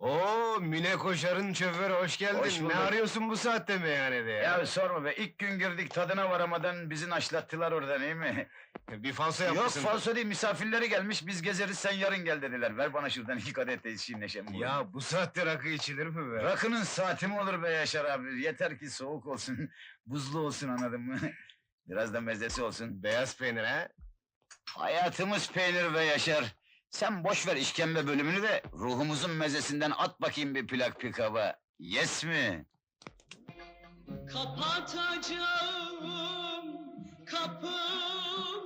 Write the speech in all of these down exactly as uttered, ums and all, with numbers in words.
Oo, Mine Koşar'ın şoförü, hoş geldin. Hoş bulduk. Ne arıyorsun bu saatte meyhanede ya? Ya sorma be, ilk gün girdik tadına varamadan bizi naşlattılar oradan, iyi mi? Bir falso Yok yapmışsın. falso değil, misafirleri gelmiş, biz gezeriz sen yarın gel dediler. Ver bana şuradan iki kadeh de içeyim neşem buyur. Ya bu saatte rakı içilir mi be? Rakının saati mi olur be Yaşar abi? Yeter ki soğuk olsun, buzlu olsun, anladın mı? Biraz da mezesi olsun. Beyaz peynir ha? Hayatımız peynir ve Yaşar. Sen boş ver işkembe bölümünü de ruhumuzun mezesinden at bakayım bir plak pikaba. Yes mi? Kapatacağım kapımı,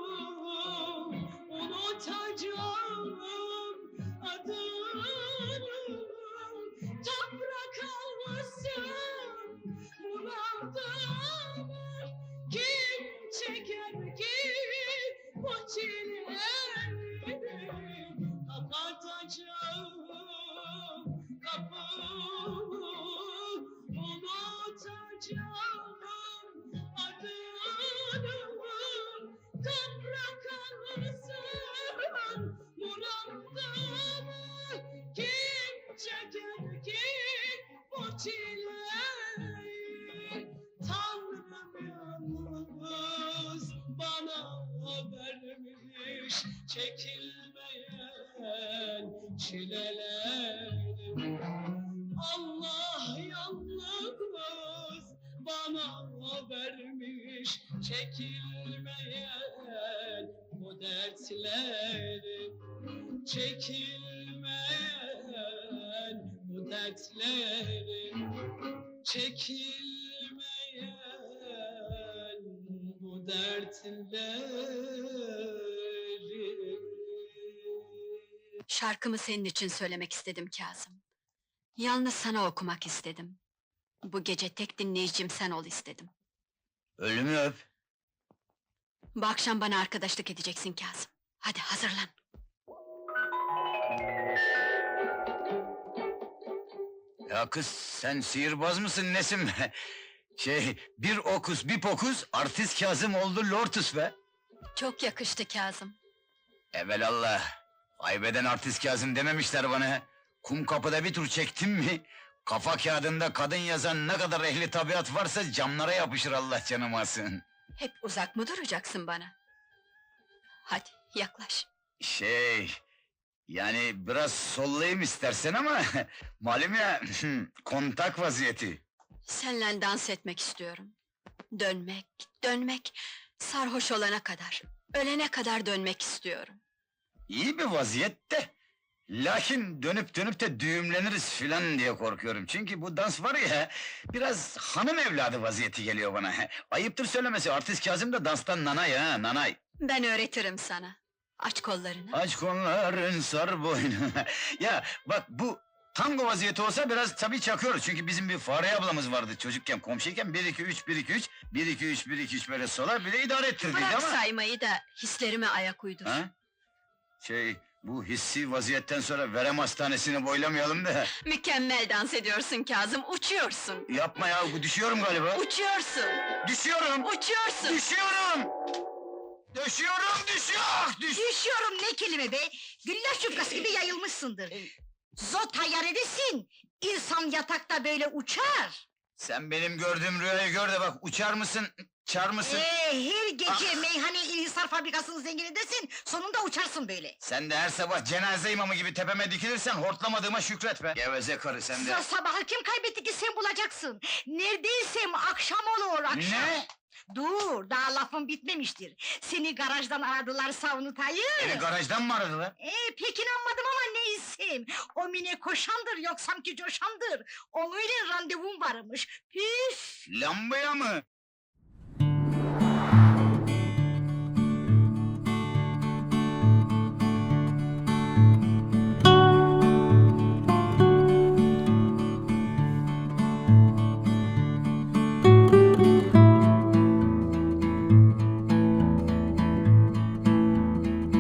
unutacağım adını. Toprak almasın bunaldım. Kim çeker ki bu çileleri? Kapatacağım kapımı, unutacağım adını. Toprak alsın muradımı. Kim çeker ki bu çileyi? Tanrım yalnız bana vermiş çekilmeyen çileleri. Allah yalnız bana vermiş çekilmeyen bu dertleri. Çekilmeyen bu dertleri. Çekilmeyen bu dertleri. Şarkımı senin için söylemek istedim Kazım. Yalnız sana okumak istedim. Bu gece tek dinleyicim sen ol istedim. Ölümü öp. Bu akşam bana arkadaşlık edeceksin Kazım. Hadi hazırlan. Ya kız sen sihirbaz mısın nesin be? Şey, bir okus bir pokus artist Kazım oldu Lortus be. Çok yakıştı Kazım. Evelallah. Aybeden artist Kazım dememişler bana. Kum kapıda bir tur çektim mi? Kafa kağıdında kadın yazan ne kadar ehli tabiat varsa camlara yapışır, Allah canımı alsın. Hep uzak mı duracaksın bana? Hadi yaklaş. Şey... Yani biraz sollayayım istersen ama... Malum ya, kontak vaziyeti. Seninle dans etmek istiyorum. Dönmek, dönmek, sarhoş olana kadar, ölene kadar dönmek istiyorum. İyi bir vaziyette. Lakin dönüp dönüp de düğümleniriz filan diye korkuyorum. Çünkü bu dans var ya... Biraz hanım evladı vaziyeti geliyor bana. Ayıptır söylemesi, artist Kazım da danstan nanay ha, nanay. Ben öğretirim sana. Aç kollarını. Aç kolların sar boynu. Ya bak bu tango vaziyeti olsa biraz tabii çakıyoruz. Çünkü bizim bir Fare ablamız vardı çocukken, komşuyken. Bir iki üç, bir iki üç, bir iki üç, bir iki üç böyle sola bir de idare ettirdiydi Bırak ama... saymayı da hislerime ayak uydur. Ha? Şey, bu hissi vaziyetten sonra verem hastanesini boylamayalım da... Mükemmel dans ediyorsun Kazım, uçuyorsun. Yapma ya, bu düşüyorum galiba. Uçuyorsun, Düşüyorum! uçuyorsun. Düşüyorum! Düşüyorum, düşüyor! Düş... Düşüyorum ne kelime be! Güllaç yufkası gibi yayılmışsındır. Zot hayaledesin! İnsan yatakta böyle uçar! Sen benim gördüğüm rüyayı gör de bak, uçar mısın, çar mısın? Ee, her gece Ah! meyhane İlhisar fabrikasının zenginindesin, sonunda uçarsın böyle! Sen de her sabah cenaze imamı gibi tepeme dikilirsen hortlamadığıma şükret be! Geveze karı sen de! Sa- Sabahı kim kaybetti ki sen bulacaksın? Neredeysem akşam olur, akşam! Ne? Dur, daha lafım bitmemiştir. Seni garajdan aradılar savunutayı! Beni garajdan mı aradılar? Ee, pek inanmadım ama neysem! O Mine koşandır, yok sanki coşandır! Onunla randevum varmış, püf! Lambaya mı?